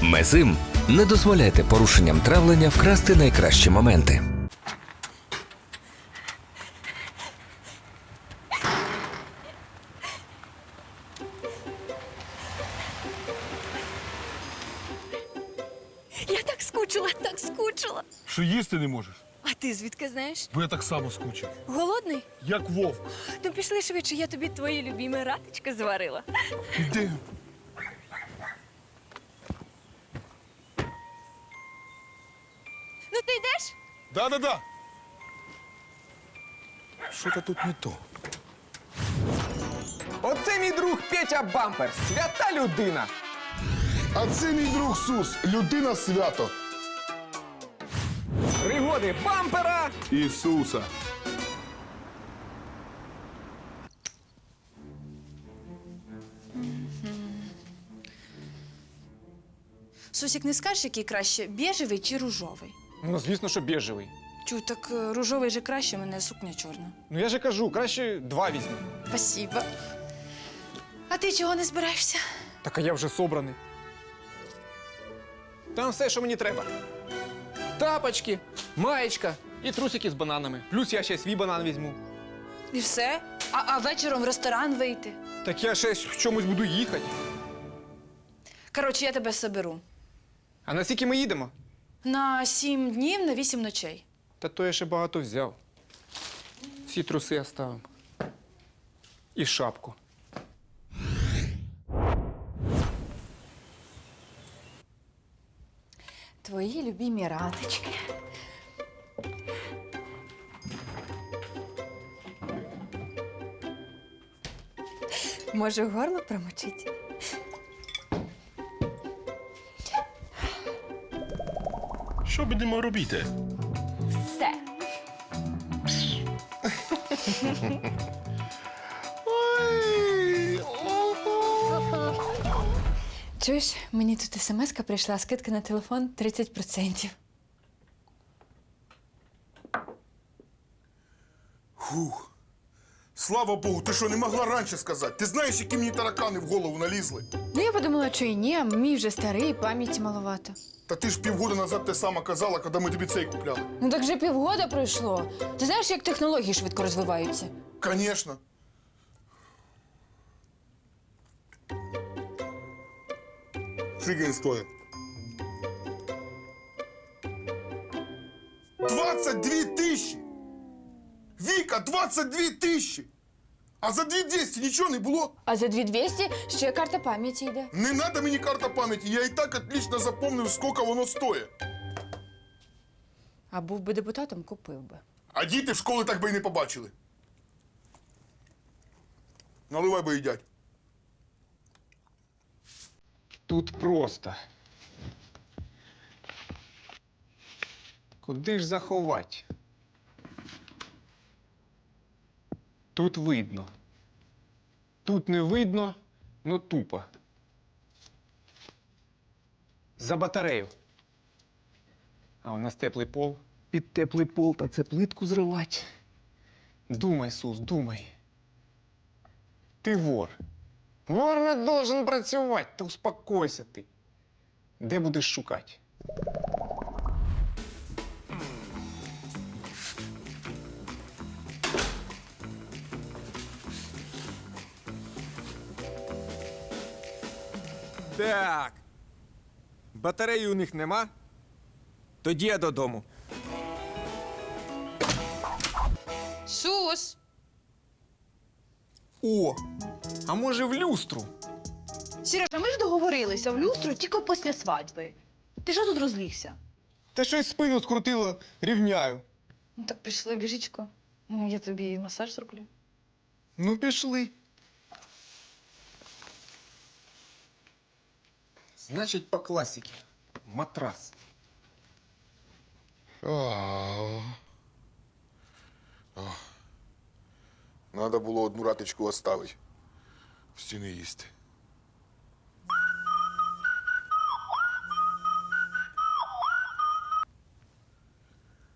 Мезим. Не дозволяйте порушенням травлення вкрасти найкращі моменти. Я так скучила, так скучила. Що їсти не можеш? А ти звідки знаєш? Бо я так само скучив. Голодний? Як вовк. То пішли швидше, я тобі твої любімі ратички зварила. Іди. Ну ти йдеш? Да-да-да. Що-то тут не то. Оце мій друг Петя Бампер, свята людина. А це мій друг Сус, людина свято. Пригоди бампера. Ісуса. Сусік, не скажеш, який краще, біжевий чи ружовий? Ну, звісно, що біжевий. Чу, так ружовий же краще, в мене сукня чорна. Ну я же кажу, краще 2 візьму. Спасибо. А ти чого не збираєшся? Так а я вже собраний. Там все, що мені треба. Тапочки, маєчка і трусики з бананами. Плюс я ще свій банан візьму. І все? А вечором в ресторан вийти? Так я ще в чомусь буду їхати. Коротше, я тебе соберу. А на скільки ми їдемо? На 7 днів, на 8 ночей. Та то я ще багато взяв. Ці труси оставим. І шапку. Твої любімі ратички. Може, горло промочить? Що будемо робити? Все. Чуєш, мені тут смс-ка прийшла, скидка на телефон 30%. Фух. Слава Богу, ти що, не могла раніше сказати? Ти знаєш, які мені таракани в голову налізли? Ну, я подумала, що і ні, а мій вже старий, пам'яті маловато. Та ти ж півгода назад те саме казала, коли ми тобі цей купляли. Ну так вже півгода пройшло. Ти знаєш, як технології швидко розвиваються? Конечно. Скільки він стоїть? 22 тисячі! Віка, 22 тисячі! А за 2200 нічого не було? А за 2200 ще карта пам'яті йде. Не надо мені карта пам'яті, я і так отлично запомнив, скільки воно стоїть. А був би депутатом, купив би. А діти в школі так би і не побачили. Наливай би їдять. Тут просто. Куди ж заховати? Тут видно. Тут не видно, но тупо. За батарею. А у нас теплий пол. Під теплий пол та це плитку зривати. Думай, Сус, думай. Ти вор. Вор не должен працювати, та успокойся ти. Де будеш шукати? Так. Батареї у них нема? Тоді я додому. Сус! О! А може в люстру? Сережа, ми ж договорилися в люстру тільки після свадьби. Ти що тут розлігся? Та щось спину скрутило, рівняю. Ну так пішли в ліжечко. Ну, я тобі масаж зроблю. Ну, пішли. Значить, по класіки. Матрас. Надо було одну ратичку оставити. В стіни їсти.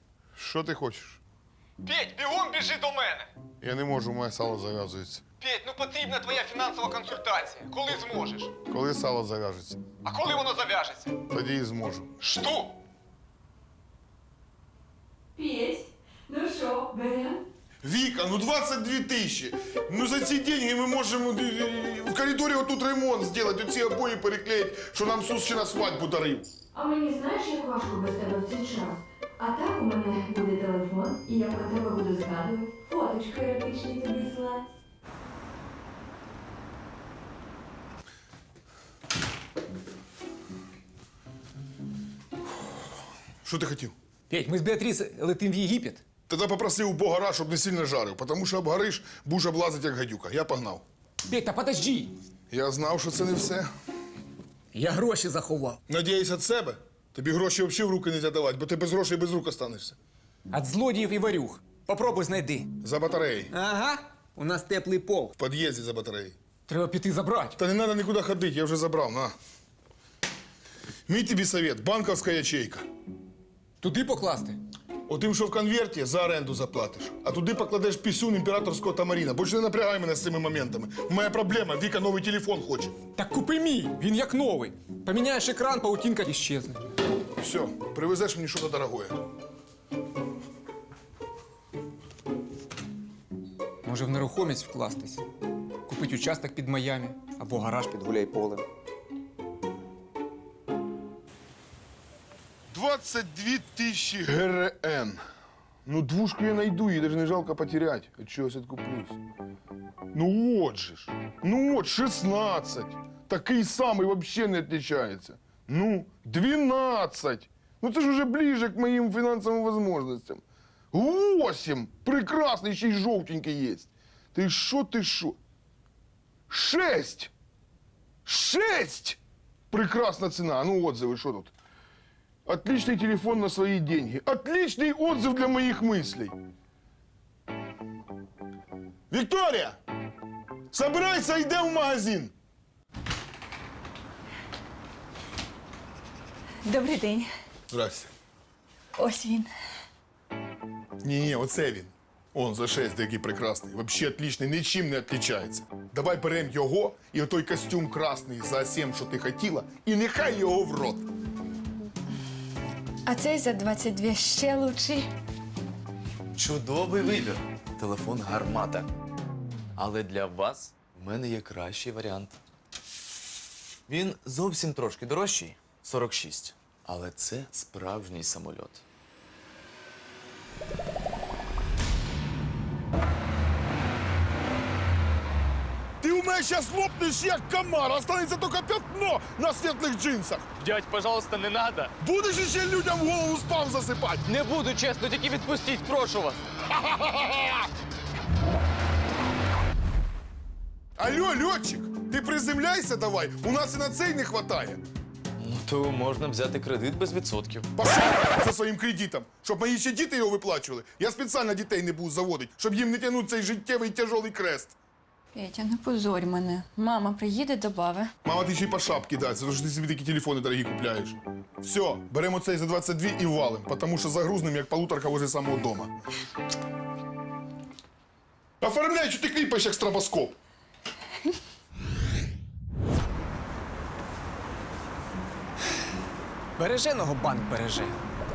Що ти хочеш? Петь, бігом біжи до мене! Я не можу, моє сало зав'язується. Петь, ну потрібна твоя фінансова консультація. Коли зможеш? Коли сало зав'яжеться, А коли воно зав'яжеться? тоді і зможу. Що? Пєсь, ну що, берем? Віка, ну 22 тисячі. Ну за ці деньги ми можемо в коридорі отут ремонт зробити, оці обої переклеїти, що нам Сус ще на свадьбу дарив. А мені знаєш, як важко без тебе в цей час? А так у мене буде телефон, і я про тебе буду згадувати. Фоточки еротичні тобі слать. Що ти хотів? Петь, ми з Біатріс летим в Єгипет. Тоді попросив у Бога рад, щоб не сильно жарив, тому що обгориш, будеш облазити як гадюка. Я погнав. Петь, та подожди. Я знав, що це не все. Я гроші заховав. Надіюсь від себе. Тобі гроші взагалі в руки не давати, бо ти без грошей без рук останешся. От злодіїв і варюх. Попробуй знайди. За батареї. Ага, у нас теплий пол. В під'їзді за батареї. Треба піти забрати. Та не треба нікуди ходити, я вже забрав, на. Мій тобі совет, банківська ячейка. Туди покласти? Отим, що в конверті, за оренду заплатиш. А туди покладеш пісюн імператорського тамаріна. Більше не напрягай мене з цими моментами. Моя проблема, Віка новий телефон хоче. Так купи мій, він як новий. Поміняєш екран, паутинка іщезне. Все, привезеш мені щось дорогое. Може в нерухомість вкластись. Купить участок під Майами або гараж під гуляй-полем. 22 тисячі ГРН. Ну, двушку я найду, її навіть не жалко потерять. От чогось відкуплюсь. Ну от же ж. Ну от, 16. Такий самий взагалі не відрізняється. Ну, 12. Ну це ж уже ближе к моїм фінансовим можливостям. 8. Прекрасний, ще й жовтенький є. Ти що, ти що? 6. 6. Прекрасна ціна. Ну, отзиви, що тут? Отличный телефон на свои деньги. Отличный отзыв для моих мыслей. Виктория! Собирайся, йдем в магазин. Добрий день. Здрасте. Ось він. Ні, оце він. Он за 6, який прекрасний. Вообще отличний, нічим не відрізняється. Давай берем його і отой костюм красний за 7, що ти хотіла, і нехай його в рот. А цей за 22 ще лучший. Чудовий вибір. Телефон гармата. Але для вас в мене є кращий варіант. Він зовсім трошки дорожчий 46. Але це справжній самольот. Ти у мене зараз лопнеш як комар, останеться тільки пятно на світлих джинсах. Дядь, пожалуйста, не надо. Будеш ще людям в голову спам засипати. Не буду, чесно, тільки відпустіть, прошу вас. Алло, льотчик, ти приземляйся давай, у нас і на цей не хватає. Ну, то можна взяти кредит без відсотків. Пошел за своїм кредитом, щоб мої ще діти його виплачували. Я спеціально дітей не буду заводити, щоб їм не тягнути цей життєвий тяжолий крест. Петя, не позорь мене. Мама приїде, добави. Мама, ти ще й по шапці дай, тому що ти собі такі телефони дорогі купляєш. Все, беремо цей за 22 і валим, тому що загрузнем, як полуторка возле самого дома. Оформляй, що ти кліпаєш, як стробоскоп. Береженого банк береже.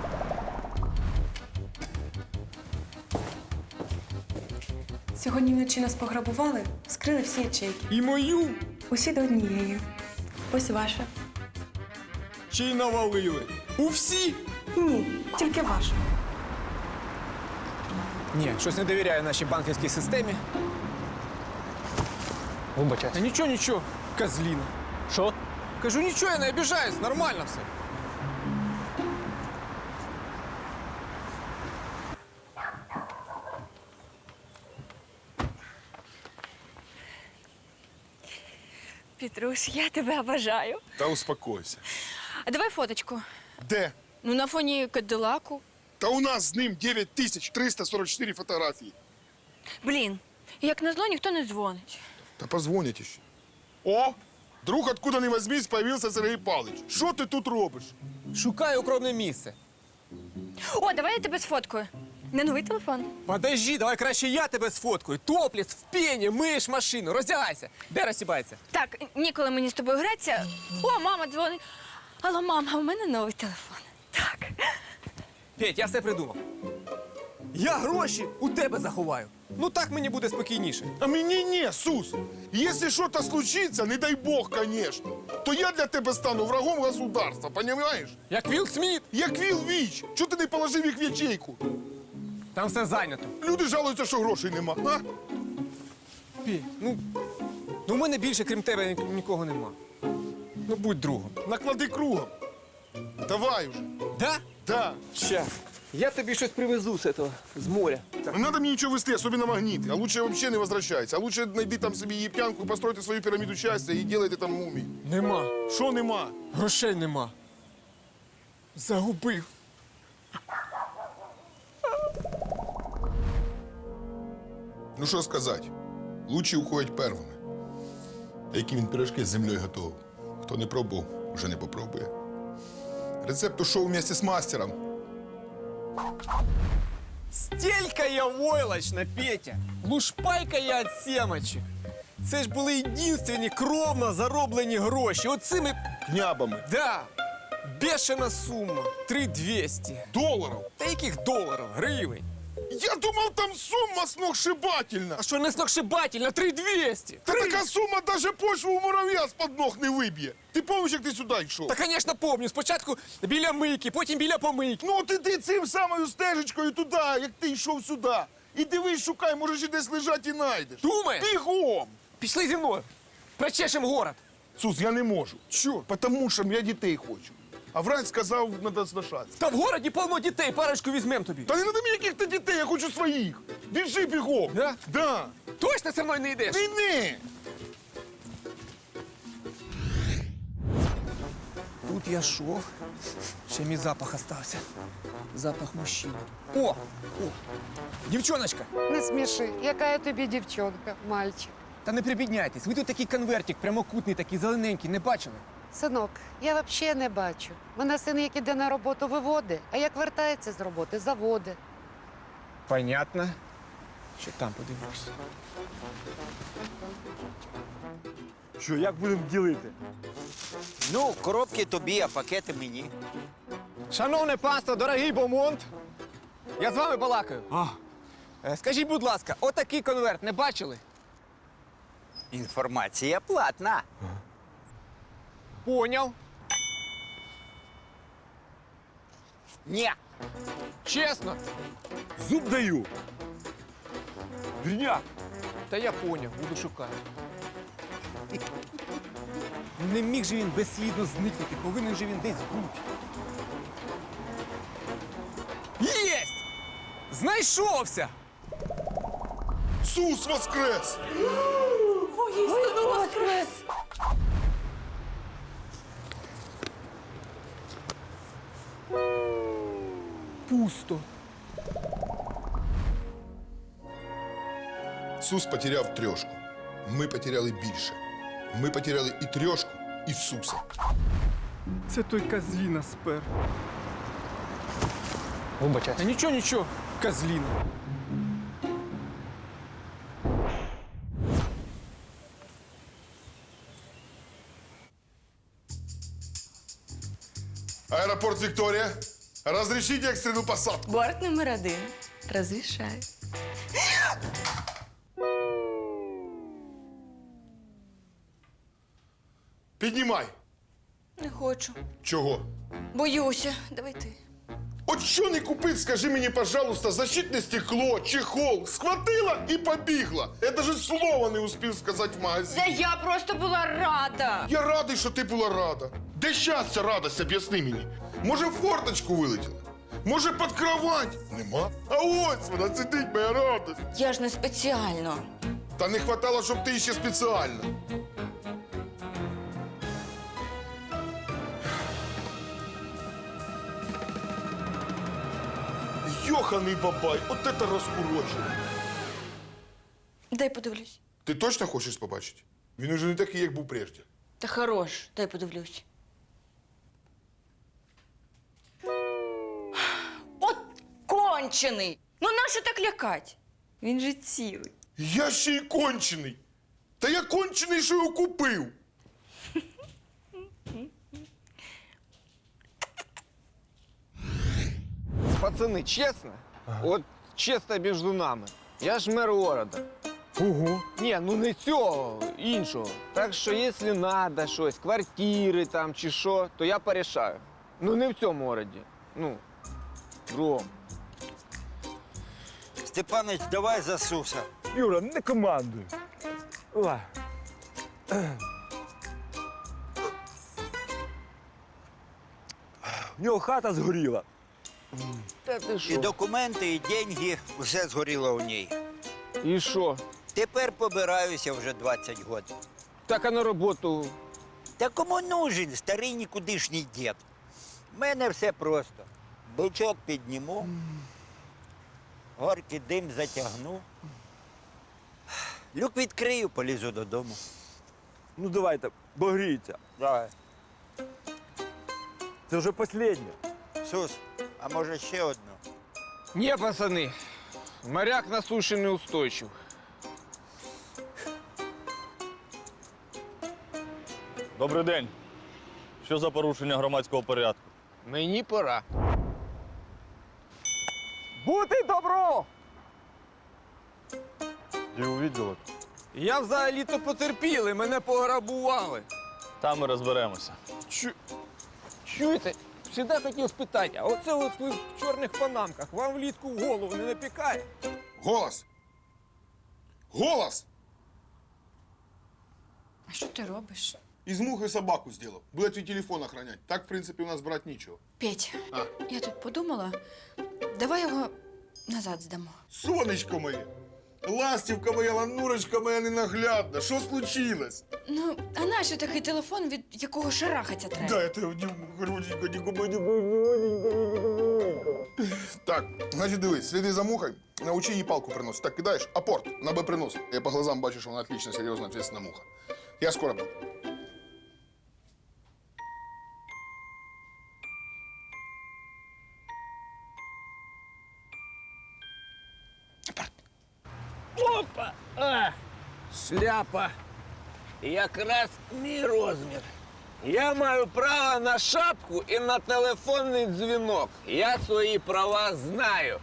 Сьогодні вночі нас пограбували, вскрили всі ячейки. І мою Усі до однієї. Ось ваша. ще й навалили. У всі? Ні, тільки ваша. Ні, щось не довіряю нашій банківській системі. Вибачай. Та нічого, нічого, козліна. Що? Кажу, нічого, я не обіжаюсь, нормально все. Петруш, я тебе обожаю. Та успокойся. А давай фоточку. Де? Ну, на фоні Кадилаку. Та у нас з ним 9344 фотографії. Блін, як назло, ніхто не дзвонить. Та позвонять ще. О, друг, откуда не возьмись, появився Сергій Павлович. Що ти тут робиш? Шукаю укромне місце. О, давай я тебе сфоткаю. На новий телефон. Подожди, давай краще я тебе сфоткаю. Топліс, в пені, миєш машину, роздягайся. Де розсібається? Так, ніколи мені з тобою гратися. О, мама дзвонить. Алло, мама, у мене новий телефон. Так. Петь, я все придумав. Я гроші у тебе заховаю. Ну так мені буде спокійніше. А мені ні, Сус. Якщо щось случиться, не дай Бог, конечно, то я для тебе стану врагом государства, понимаешь? Як Вілл Сміт. Як Віл Віч. Чого ти не положив їх в ячейку? Там все зайнято. Люди жалуються, що грошей нема. А? Петь, ну у мене більше, крім тебе, нікого нема. Ну будь другом. Наклади кругом. Давай уже. Да? Да. Щас. Я тобі щось привезу з этого, з моря. Не надо мне ничего вести, особенно магниты. А лучше вообще не возвращайся. А лучше найди там собі єптянку, постройте свою піраміду щастя і делайте там мумії. Нема. Що нема? Грошей нема. Загубив. Ну що сказати? Лучші уходять первими. А які він пирожки з землею готовив? Хто не пробував, вже не попробує. Рецепт ушов вместе з мастером. Стілька я войлочна, Петя. Лушпайка я від семочек. Це ж були єдинственні кровно зароблені гроші. Оцими, Княбами. да, бешена сума. 3200. Доларів. Та яких доларів? Гривень. Я думав, там сума сногсшибательна. А що не сногсшибательно? 3200. Та така сума даже почву у мурав'я з-под ног не виб'є. Ти пам'ятаєш, як ти сюди йшов? Та, звісно, помню. Спочатку біля мийки, потім біля помийки. Ну, от іди цим самою стежечкою туди, як ти йшов сюди. І дивись, шукай, може, ще десь лежать і знайдеш. Думаєш? Бігом! Пішли зі мною. Прочешем город. Сус, я не можу. Чо? Потому що я дітей хочу. А врач сказав, треба сношатися. Та в городі повно дітей, парочку візьмем тобі. Та не надо мені яких-то дітей, я хочу своїх. Біжи бігом. Да? Да. Точно зі мною не йдеш? Війни! Тут я шов, ще мій запах остався. Запах мужчини. О! Дівчоночка! Не сміши, яка я тобі дівчонка, мальчик. Та не прибідняйтесь, ви тут такий конвертик, прямокутний, такий зелененький, не бачили? Синок, я взагалі не бачу. Мене син, як іде на роботу, виводить, а як вертається з роботи, заводить. Понятно. Ще там подивлюсь. Що, як будемо ділити? Ну, коробки тобі, а пакети мені. Шановне панство, дорогий Бомонд, я з вами балакаю. Скажіть, будь ласка, отакий конверт не бачили? Інформація платна. Поняв. Ні. Чесно. Зуб даю. Вірняк. Та я поняв, буду шукати. Не міг же він безслідно зникнути, повинен же він десь бути. Єсть! Знайшовся! Сус воскрес! Пусто. Сус потеряв трьошку. Ми потеряли більше. Ми потеряли і трьошку, і Суса. Це той козліна спер. Вибачайся. Та нічого, нічого, козліна. Аеропорт Виктория. Разрешите экстренную посадку. Борт номер 1. Разрешаю. Піднімай. Не хочу. Чого? Боюся. Давай ти. От що не купить, скажи мені, пожалуйста, защитне стекло, чехол. Схватила і побігла. Я даже слова не успів сказати в магазині. Та я просто була рада. Я радий, що ти була рада. Де щастя, радость, об'ясни мені. Може, в форточку вилетіла? Може, під кровать? Нема. А ось вона сидить, моя радость. Я ж не спеціально. Та не хватало, щоб ти ще спеціально. Йоханий бабай, от це розкурочено. Дай подивлюсь. Ти точно хочеш побачити? Він уже не такий, як був прежде. Та хорош, дай подивлюсь. От кончений! Ну нащо так лякать? Він же цілий. Я ще й кончений. Та я кончений, що його купив. Пацани, чесно? От чесно між нами. Я ж мер города. Ого. Ні, ну не цього, іншого. Так що, якщо треба щось, квартири там чи що, то я порішаю. Ну не в цьому городі. Ну, в другому. Степанич, давай за Суса. Юра, не командуй. Ой. В нього хата згоріла. Та ти І що? документи, і деньги, все згоріло у ній. І що? Тепер побираюся вже 20 років. Так а на роботу. Та кому нужен старий нікудишній дід? У мене все просто. Бичок підніму, горький дим затягну. Люк відкрию, полізу додому. Ну давайте, богріться. Давай. Це вже останнє. Сус, а може ще одну? Ні, пацани, моряк на суші не устойчив. Добрий день. Що за порушення громадського порядку? Мені пора. Бути добро! Я увидел. Я взагалі-то потерпілий, мене пограбували. Там ми розберемося. Чуєте? Всегда хотів спитати, а оце от ви в чорних панамках, вам влітку в голову не напікає? Голос! Голос! А що ти робиш? Из мухи собаку сделал. Будет твой телефон охранять. Так, в принципе, у нас брать нечего. Петь, А. я тут подумала, давай його назад здамо. Сонечко моє! Ластівка моя, ланурочка моя ненаглядна. Що случилось? Ну, а нащо такий телефон, від якого шарахатися треба? Да, это Так, значить дивись, сліди за мухою, научи їй палку приносити. Так, кидаєш, апорт на Б принос. Я по глазам бачу, що вона отлично, серйозно, ответственна муха. Я скоро буду. Опа! А! Шляпа! Якраз мій розмір. Я маю право на шапку і на телефонний дзвінок. Я свої права знаю.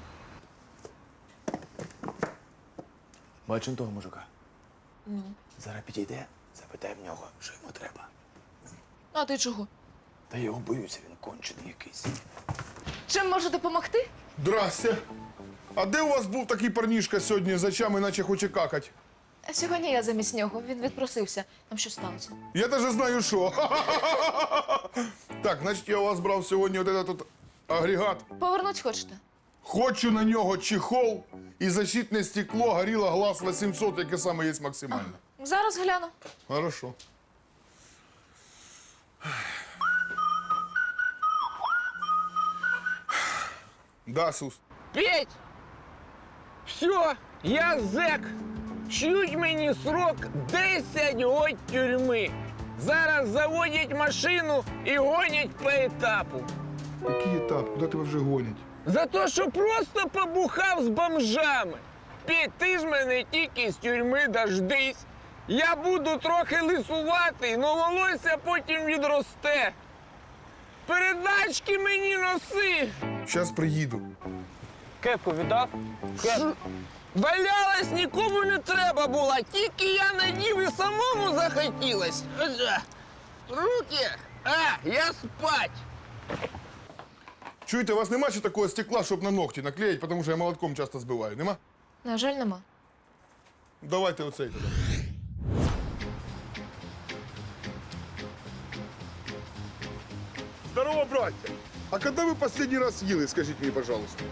Бачиш того мужика? Ну. Зараз підійде, запитай в нього, що йому треба. А ти чого? Та я його боюся, він кончений якийсь. Чим можу допомогти? Здрасте. А де у вас був такий парнішка сьогодні з очами, наче хоче какать? Сьогодні я замість нього, він відпросився. Там що сталося? Я даже знаю, що. Так, значить, я у вас брав сьогодні от этот агрегат. Повернуть хочете? Хочу на нього чехол і защитне стекло горіло глаз 800, яке саме є максимально. Зараз гляну. Хорошо. Да, Сус. Петь! Все, я зек. Чуть мені срок 10 років тюрми. Зараз заводять машину і гонять по етапу. Який етап? Куди тебе вже гонять? За те, що просто побухав з бомжами. Петь, ти ж мене тільки з тюрми дождись. Я буду трохи лисуватий, но волосся потім відросте. Передачки мені носи. Щас приїду. Кепку віддав? Валялась, нікому не треба було, тільки я надів і самому захотілось. Руки, я спать. Чуєте, у вас нема ще такого стекла, щоб на ногті наклеїти, тому що я молотком часто збиваю. Нема? На жаль, нема. Давайте оцей тоді. Здорово, браття! А коли ви останній раз їли, скажіть мені, пожалуйста?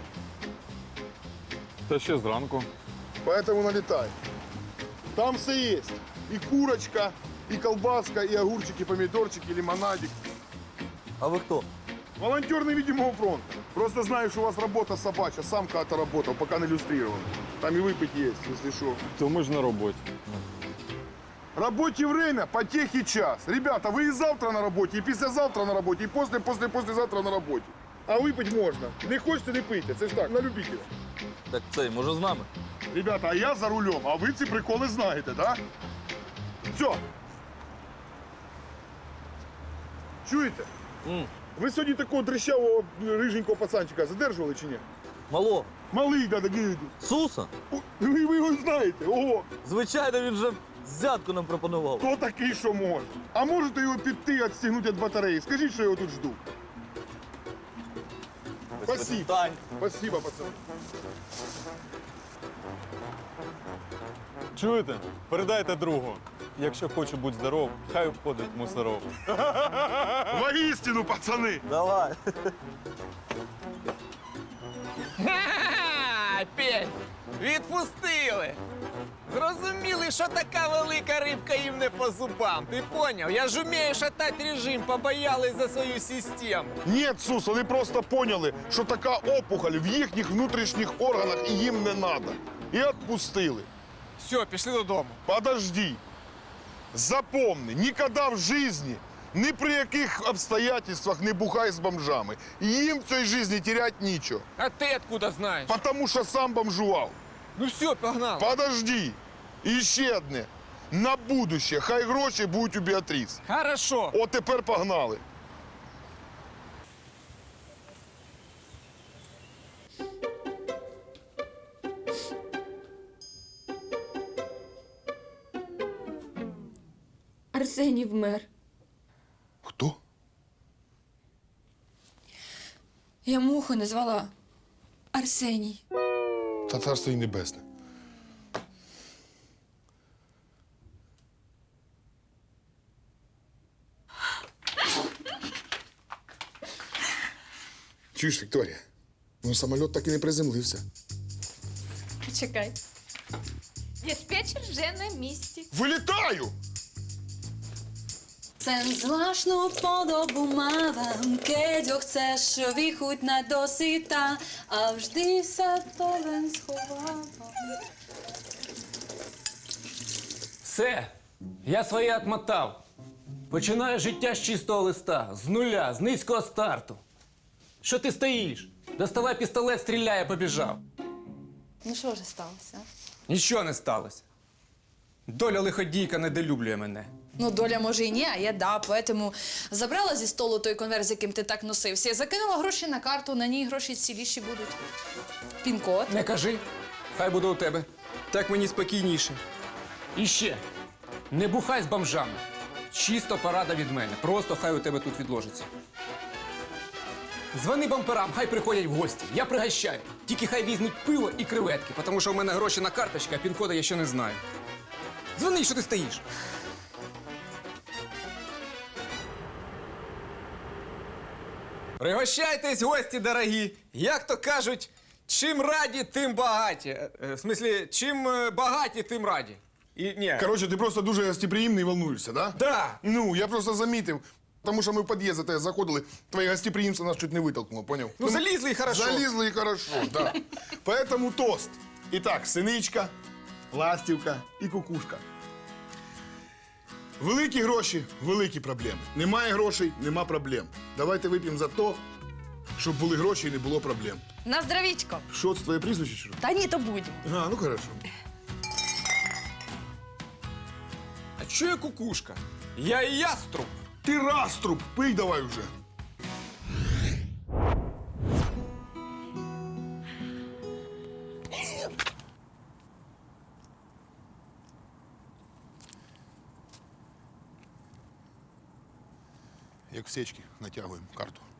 Та ще зранку. Поэтому налетай. Там все есть. И курочка, и колбаска, и огурчики, и помидорчики, и лимонадик. А ви хто? Волонтер невидимого фронта. Просто знаю, что у вас работа собачья. Сам когда-то работал, пока не иллюстрирован. Там и выпить есть, если что. То ми ж на роботі. Рабочее время, потехи час. Ребята, вы и завтра на работе, и послезавтра на работе, и послезавтра на работе. А выпить можно. Не хочете, не пийте. Це ж так, на любителя. Так цей, може з нами? Ребята, а я за рулем, а ви ці приколи знаєте, да? Все. Чуєте? Ви сьогодні такого дрищавого риженького пацанчика задержували чи ні? Мало. Малий, да, такий. Суса? Ви його знаєте, ого. Звичайно, він же взятку нам пропонував. Хто такий, що може? А можете його піти, відстігнути від батареї? Скажіть, що я його тут жду. Спасибо. Спасибо, пацани. Чуєте? Передайте другу. Якщо хоче бути здоров, хай обходить мусоров. Воістину, пацани! Давай. Ха-ха-ха! Петь, відпустили. Зрозуміли, що така велика рибка їм не по зубам. Ти поняв? Я ж умію шатати режим, побоялись за свою систему. Ні, Сус, вони просто поняли, що така опухоль в їхніх внутрішніх органах і їм не треба. І відпустили. Все, пішли додому. Подожди. Запомни, ніколи в житті, ні при яких обстоятельствах не бухай з бомжами. Їм в цій житті терять нічого. А ти откуда знаєш? Тому що сам бомжував. Ну все, погнали. Подожди. І ще одне. На будуще, хай гроші будуть у Біатріс. Хорошо. От тепер погнали. Арсеній вмер. Хто? Я муху назвала Арсеній. Та царство й небесне. Чуєш, Вікторія? Ну, самоліт так і не приземлився. Почекай. Диспетчер вже на місці. Вилітаю! Sen zvláštnu podobu mávam, keď ho chceš vychutnať do syta a vždy sa to len schovávam. Все, я своє отмотав. Починаю життя з чистого листа, з нуля, з низького старту. Що ти стоїш? Доставай пістолет, стріляй, я побіжав. Ну що вже сталося? Нічого не сталося. Доля лиходійка недолюблює мене. Ну, доля може і ні, а я да. Поэтому забрала зі столу той конверт, з яким ти так носився, і закинула гроші на карту, на ній гроші ціліші будуть. Пін-код. Не кажи, хай буде у тебе. Так мені спокійніше. І ще, не бухай з бомжами. Чисто порада від мене. Просто хай у тебе тут відложиться. Дзвони бамперам, хай приходять в гості. Я пригощаю. Тільки хай візьмуть пиво і креветки, тому що в мене гроші на карточці, а пін-кода я ще не знаю. Дзвони, що ти стоїш? Пригощайтесь, гості дорогі. Як то кажуть, чим раді, тим багаті. В смислі, чим багаті, тим раді. І, ні. Короче, ти просто дуже гостеприємний і волнуєшся, да? Да. Ну, я просто замітив. Тому що ми в під'їзд за тебе заходили, твоє гостеприємство нас чуть не витолкнуло, поняв? Ну, залізли і хорошо. Залізли і хорошо, да. Поэтому тост. І так, синичка, ластівка і кукушка. Великі гроші – великі проблеми. Немає грошей – нема проблем. Давайте вип'ємо за то, щоб були гроші і не було проблем. На здравічко. Що, це твоє прізвище, чи що? Та ні, то будь. А, ну хорошо. А чого я кукушка? Я і яструб. Ти раструб, пий давай вже. Як в сечки натягуємо карту.